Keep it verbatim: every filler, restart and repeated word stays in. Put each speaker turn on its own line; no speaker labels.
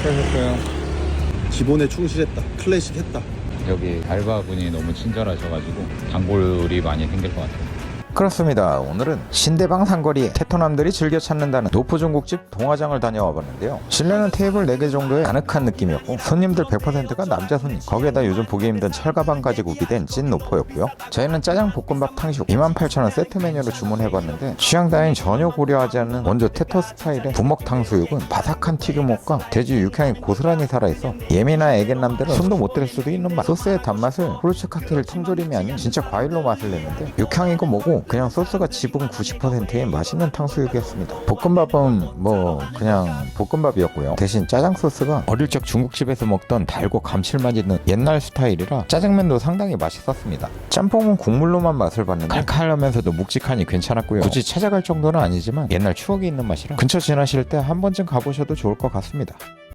수고하셨어요.
기본에 충실했다. 클래식 했다.
여기 알바분이 너무 친절하셔가지고 단골이 많이 생길 것 같아요.
그렇습니다. 오늘은 신대방 상거리에 테토남들이 즐겨 찾는다는 노포 중국집 동화장을 다녀와 봤는데요. 실내는 테이블 네 개 정도의 아늑한 느낌이었고 손님들 백 퍼센트가 남자 손님, 거기에다 요즘 보기 힘든 철가방까지 구비된 찐 노포였고요. 저희는 짜장 볶음밥 탕수육 이만 팔천 원 세트 메뉴로 주문해봤는데 취향 따윈 전혀 고려하지 않는 원조 테토 스타일의 부먹 탕수육은 바삭한 튀김옷과 돼지 육향이 고스란히 살아있어 예민한 애견남들은 손도 못 댈 수도 있는 맛. 소스의 단맛을 후르츠 칵테일 통조림이 아닌 진짜 과일로 맛을 냈는데 육향이고 뭐고 그냥 소스가 지분 구십 퍼센트의 맛있는 탕수육이었습니다. 볶음밥은 뭐 그냥 볶음밥이었고요. 대신 짜장 소스가 어릴 적 중국집에서 먹던 달고 감칠맛 있는 옛날 스타일이라 짜장면도 상당히 맛있었습니다. 짬뽕은 국물로만 맛을 봤는데 칼칼하면서도 묵직하니 괜찮았고요. 굳이 찾아갈 정도는 아니지만 옛날 추억이 있는 맛이라 근처 지나실 때 한 번쯤 가보셔도 좋을 것 같습니다.